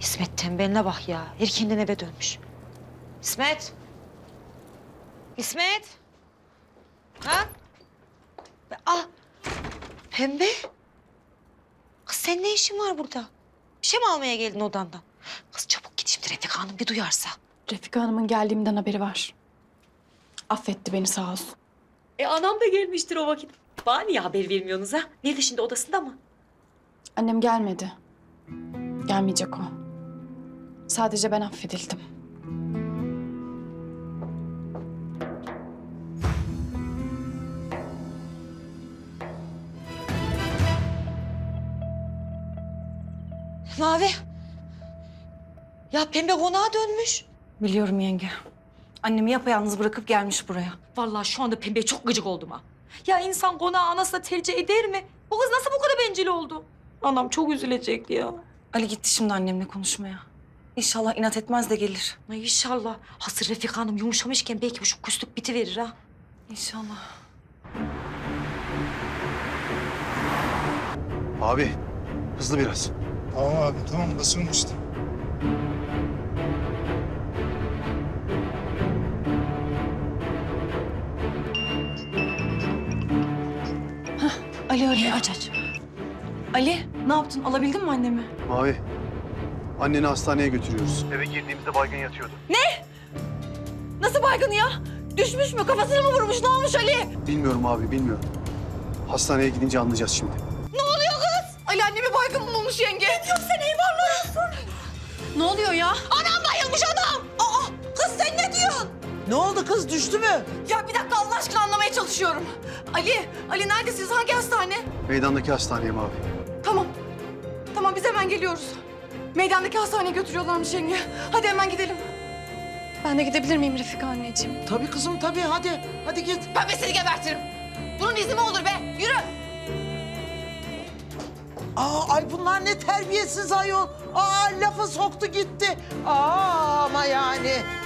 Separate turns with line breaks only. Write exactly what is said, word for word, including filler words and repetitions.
İsmet tembeline bak ya. Erkenden eve dönmüş. İsmet. İsmet. Ha? Ah. Pembe. Kız sen ne işin var burada? Bir şey mi almaya geldin odandan? Kız çabuk git şimdi Refika Hanım bir duyarsa.
Refika Hanım'ın geldiğimden haberi var. Affetti beni sağ olsun.
E anam da gelmiştir o vakit. Bana niye haber vermiyorsunuz ha? Nerede şimdi, odasında mı?
Annem gelmedi. Gelmeyecek o. Sadece ben affedildim.
Mavi. Ya Pembe konağa dönmüş.
Biliyorum yenge. Annemi yapayalnız bırakıp gelmiş buraya.
Vallahi şu anda Pembe'ye çok gıcık oldum ha. Ya insan konağı anasına tercih eder mi? Bu kız nasıl bu kadar bencil oldu? Anam çok üzülecek ya.
Ali gitti şimdi annemle konuşmaya. İnşallah inat etmez de gelir.
Ay inşallah. Hasır Refika Hanım yumuşamışken belki bu şu küslük bitiverir ha.
İnşallah.
Abi, hızlı biraz.
Tamam abi, tamam basıyorum işte.
Ali arıyor. Aç aç. Ali ne yaptın? Alabildin mi annemi?
Mavi, anneni hastaneye götürüyoruz. Eve girdiğimizde baygın yatıyordu.
Nasıl baygın ya? Düşmüş mü? Kafasını mı vurmuş? Ne olmuş Ali?
Bilmiyorum abi, bilmiyorum. Hastaneye gidince anlayacağız şimdi.
Ali annemi baygın mı bulmuş yenge? Ne diyorsun sen eyvallah? Ne oluyor ya?
Anam bayılmış adam. Aa kız sen ne diyorsun?
Ne oldu kız, düştü mü?
Ya bir dakika Allah aşkına anlamaya çalışıyorum. Ali, Ali neredesiniz? Hangi hastane?
Meydandaki hastaneye Mavi.
Tamam. Tamam biz hemen geliyoruz. Meydandaki hastaneye götürüyorlarmış yenge. Hadi hemen gidelim. Ben de gidebilir miyim Refika anneciğim?
Tabii kızım, tabii. Hadi, hadi git.
Ben de seni gebertirim. Bunun izni mi olur be? Yürü.
Aa, ay bunlar ne terbiyesiz ayol. Aa, lafı soktu gitti. Aa, ama yani.